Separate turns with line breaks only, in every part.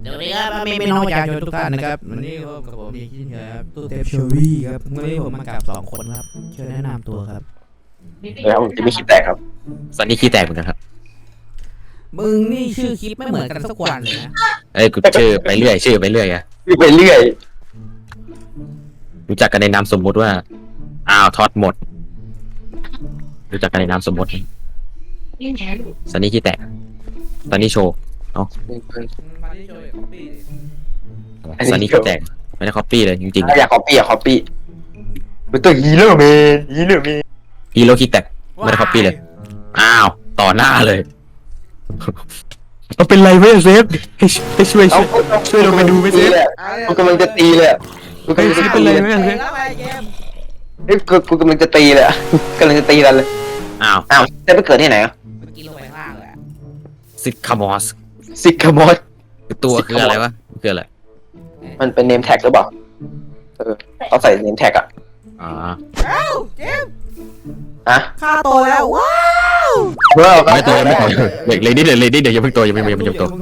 เดี๋ยวนี้ครับไม่น้องประชาชนทุกท่านนะครับวันนี้กับผมดีขึ้นครับตู้เทปโชวี่ครับวันนี้ผมมากับ2 คนครับช่วยแนะนำตัวครับ
แล้วผมจะไม่คิดแตกครับ
ซันนี่ขี้แตกเหมือนกันครับ
มึงนี่ชื่อคลิปไม่เหมือนกันสักวันเลยนะ
เอ้ยกูชื่อไปเรื่อยชื่อไปเรื่อยอะ
ไปเรื่อย
รู้จักกันในนามสมมุติว่าอ้าวทอดหมดรู้จักกันในนามสมมุติซันนี่ขี้แตกซันนี่โชว์ซันนี่ขี้แตกไม่ได้คอปปี้เลยจริง
อยากคอปปี้เป็นตัวฮีโร่แมน
ๆฮีโร่ขี้แตกไม่ได้คอปปี้เลยอ้าวต่อหน้าเลยเอาเป็นไรไหมเซฟให้ช่วยลงไปดูไหมเซฟ
กูกำลังจะตีเลยกูกำลังจะ
เป็น
ตี
ไร
เลย
ไหมเซฟ
เฮ้ยกูกำลังจะตีเลยกำลังจะตีกันเลย
อ้าว
จะไปเกิดที่ไหนอ่ะ
เมื่อกี้ลงไปข้างล่างเลย
ซิกคามอส
ซิกามอส
ตัวคืออะไรวะคืออะไร
มันเป็นเนมแท็กหรือเปล่าเขาใส่เนมแท็กอ่ะ
อ๋อ
เอ้าเจม
อะ
ค่าโตแล้วว้าว
ไม่โตยังไม่โตเลยนี่เดี๋ยวยังเพิ่งโตยังไม่โต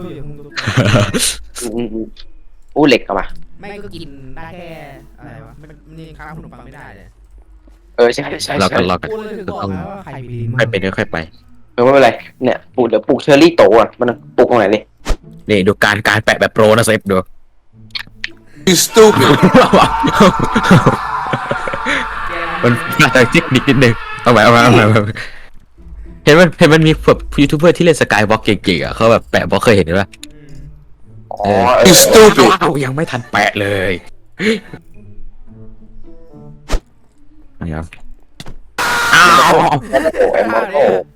อู้เหล็กเอามา
ไม่ก็กินได้แค่อะไรวะมันนี่ข้าวขนมปังไม่ได้เลย
ใช่
รอกัน
กูเลยถึงบอกแล้วว่าใครมีลิ้น
ค่อยเป็นค่อยไป
ไม่เป็นไรเนี่ยเดี๋ยวปลูกเชอร์รี่โตอ่ะมันปลูกตรงไหนดิ
นี่ดูการแปะแบบโปรนะเซฟดู
You stupid.
มันน่าจะจิกนิดนึงเอาไว้เห็นมันมีแบบยูทูบเบอร์ที่เล่นสกายวอล์กเก่งๆอ่ะเขาแบบแปะบล็อกเคยเห็นไหม
อ๋อ
You stupid.
ว้าวยังไม่ทันแปะเลยนะครับอ้าว
เอมโร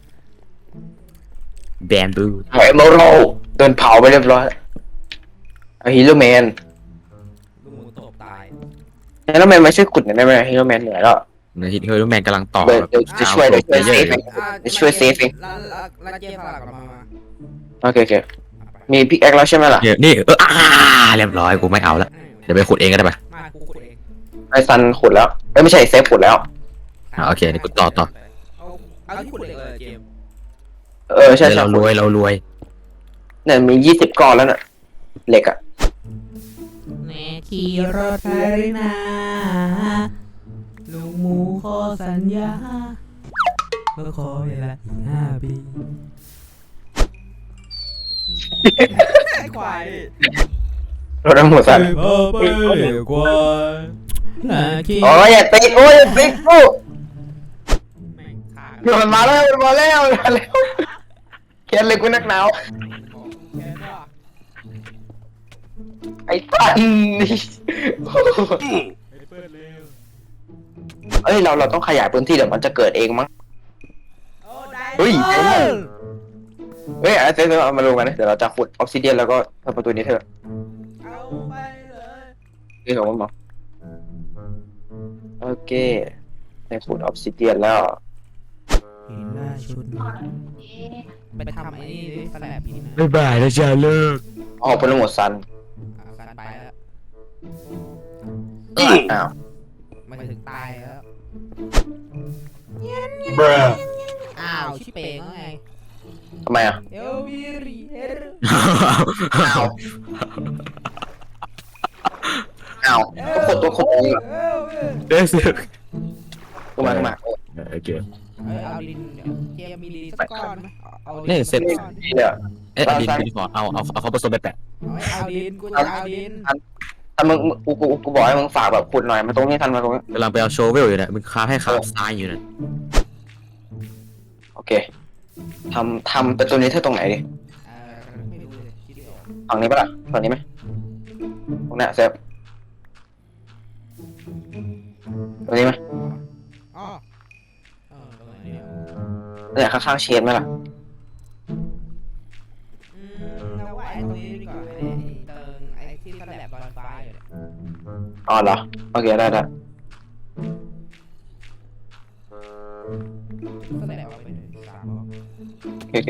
แบนบู
เอมโรโดนเผาไปเรียบร้อยฮีโร่แมน
ลูกหมูตบตาย
ฮีโร่แมนมาช่วยขุดหน่อยได้ไหมฮีโร่แมนเหนื่อยแล้ว
นะฮิตเฮอร์แมนกำลังต่อ
เดี๋ยวจะช่วยเดี๋ยวช่วยเซฟเอง ช่วยเซฟเอง
แล้วเจ๊พาหลักมา
โอเคมีพิกแอคแล้วใช่ไหมล่ะ
นี่เรียบร้อยกูไม่เอาละเดี๋ยวไปขุดเองก็ได้ปะ
มากูขุดเอง
ไอซันขุดแล้วไม่ใช่เซฟขุดแล้ว
โอเคนี่กูต่อ
เอาที่ขุดเลยเจม
ใช่
เรารวย
เนี่ยมี20ก้อนแล้วน่ะเหล็กอ่ะ
แน่ขี่รถไฟนาลุงหมูขอสัญญาเมื่อขอเวลาอีก5 ปีไอ้ควาย
รถน้ำหัวสัน
พ่อไปควายน่าขี่
โอ้ยอย่าตีกูอย่าตีกู
แม่งขา
มันมาแล้วเขียนเลยกูนักหนาว
แค่ว่า
ไอ้สันนี่
เปิดเร็ว
เราต้องขยายพื้นที่เดี๋ยวมันจะเกิดเองมั้ง
โอ้ได้
เฮ้ยเซฟเอามาลงกันนะเดี๋ยวเราจะขุดออฟซิเดียนแล้วก็ทำประตูนี้เถอะ
เอาไปเลย
นี่ของมันบอกโอเคได้ขุดออฟซิเดียนแล้ว
เห็นหน้าชุดไปทำไอ้นี่ดิสแลบนี่นะ
บ๊ายบายนะจ๊ะเลิก
ออกเป็นหมดซัน
การไปแล้ว
อ้าว
มันถึงตายแล้ว
Bruh.
อ้าวชิเป่งไง
ทำไมอ่ะ
เอลวีรีเอล
อ้าวก็ขุดตัวขุดเองเหรอ
เด้อเสือก
กูมา
โอเค
เอาดินเจมีดินสักก้อนไหมเอา
นี่เสร็จ
นี่เนี่ย
เอ๊ะดินขอเอาเขาผสมไปแปะ
เอาดินกูจะเอาดิน
ถ้ามึงกูบอกให้มึงฝากแบบขุดหน่อยมาตรงนี้ทันมาตรงนี้
กำลังไปเอาโชเวลอยู่เนี่ยมึงค้าให้ขาซ้ายอยู่เนี่ย
โอเคทำเป็นตัวนี้เธอตรงไหนดิ
ไม่รู้เลยคิดไม่ออก
ฝั่งนี้ปะล่ะฝั่งนี้ไหมตรงเนี้ยเซฟตรงนี้ไหม
อ๋อตรงไหนเนี่ย
เนี่ยข้างๆเชนไหมล่ะ
เราว่าไอ้ตรงนี้ดีกว่าไอ้เติงไอ้ที่สแลบลอยฟ้าอยู่เนี่ย
อ๋อเหรอโอเคได้
สแลบเอาไปเลย3 บล็อก
โอเค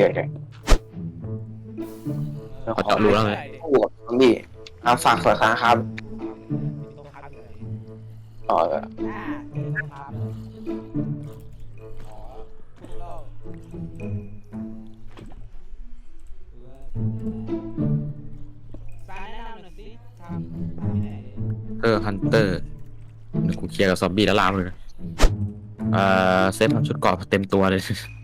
เขาเจาะรูแล้วไง
โอ้โหพี่ฝากสวยครับ
ตรงพับเลย
อ๋อ
ตรงพับอ๋อถูกแล้วซา
ฮันเตอร์เดี๋ยวกูเคลียร์กับซอมบี้แล้วลามเลยนะเซตทำชุดเกราะเต็มตัวเลย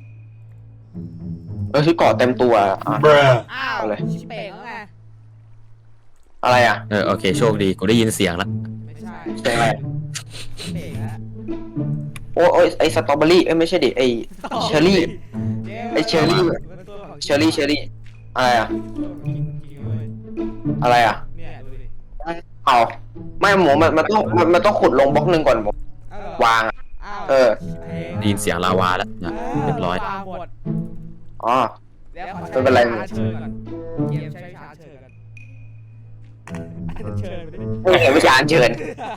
ชุดเกราะเต็มตัวอ่ะ
Bruh.
อ้าว
เอาเลย
ชิเป่งแล้วไง
อะไรอ่ะ
โอเคโชคดีกูได้ยินเสียงแล้ว
ไม่ใช่
เสียงอะไร
ชิเป่งแล้ว
โอ้ยไอสตรอเบอรี่ไม่ใช่ดิไอเชอร์รี่ ไอ้เชอร์รี่ เชอร์รี่อะไรอ่ะ อะไรอ่ะ
เนี่ยดูดิ
เอาไม่หมูมันต้องขุดลงบล็อกหนึ่งก่อนหมูวางอะ
อ้าว
เออ
ได้ยินเสียงลาวาแล้วนะเรียบร้อย
ตามหมด
อ๋อ
แล้วขอ
ไม่เป็นไร
ชาเชิญก่อนเกมใช้ชาเชิญกันเชิญไปดิ
ไม่เห็นวิชาอัญเชิญ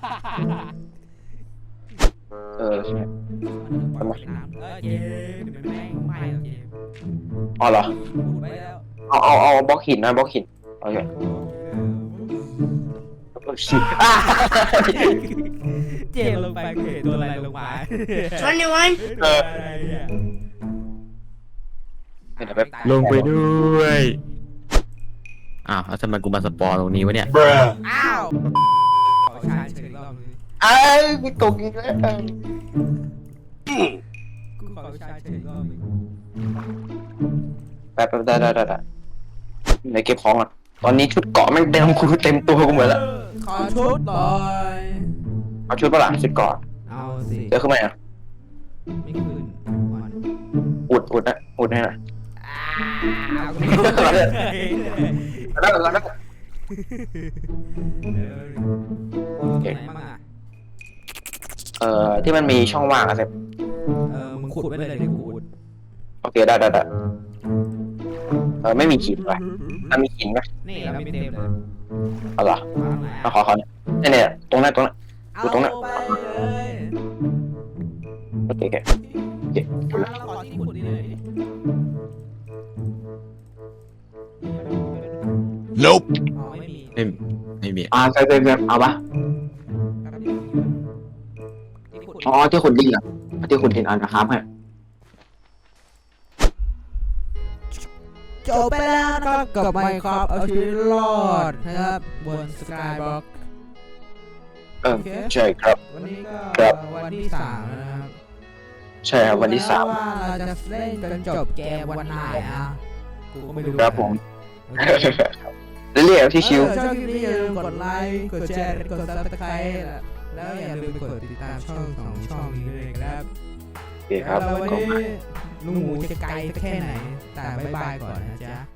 เออ
เกมเดี๋ยวมันแม่งไม่หรอกเกม
อ๋อเหรอ
พูดไปแล้ว
เอาบล็อกหินนะบล็อกหินโอเคอ่ะ
เจมลงไปเห็นตัวอะไรลงมา
เออ
อะไรเนี่ย
เดี๋ยวไป
ลงไปด้วยอ้าวแล้วทำไมกูมาสปอร์ตรงนี้วะเนี่ย
Bruh.
อ้าวขอชาเชิญรอบนึง
ไอ้กูตกอีกแล้ว
กูขอชาเชิญรอบนึง
แป๊บได้เดี๋ยวเก็บของอ่ะตอนนี้ชุดเกราะแม่งเต็มกูเต็มตัวกูหมดแล้ว
ขอชุดหน่อย
เอาชุดปะล่ะชุดเกราะ
เอาสิ
เดี๋ยวขึ้นมาอ่ะ
ไม่ขึ้นก่อน
อุดนะอุดให้หน่อย
อ้าว
แล้ว
เก่งมาก
ที่มันมีช่องว่างอะเซฟ
มึงขุดไว้เลยที่กูขุด
โอเคได้ไม่มีหินว่ะมีหินไหม
นี่เรามีเต็มเลย
เอาเหรอมาขอเนี่ยตรงนั้น
เอา
ตรงนั้น
ไปเลย
โอเค
เราขอที่ขุดนี่เลย
Nope.
อ๋อไม่มี
ไม่มี
เซฟเอาปะ
ที่ขุด
อ๋อที่ขุดดินอ่ะที่ขุดดินนะครับฮะ
จบไปแล้วนะครับกับไมค์ครับเอาชีวิตรอดนะครับบนสกายบล็อก
ใช่ครับ
วันนี้ก็
ครับ
วันที่3แล้วนะครับ
ใช่ครับวันที่
แล้วว่าเราจะเล่นจนจบเกมวันไหนอ่ะกูก็ไม่รู้
ครับผม
โอเค
3เรียกที่ชิว
ชอบคลิปนี้อย่าลืมกดไลค์กดแชร์กดซับสไครต์แล้วอย่าลืมกดติดตามช่องของช่องนี้ด้วยครับ
โอเคครับ
แล้ววันนี้ลุงหมูจะไกลสักแค่ไหนแต่บ๊ายบายก่อนนะจ๊ะ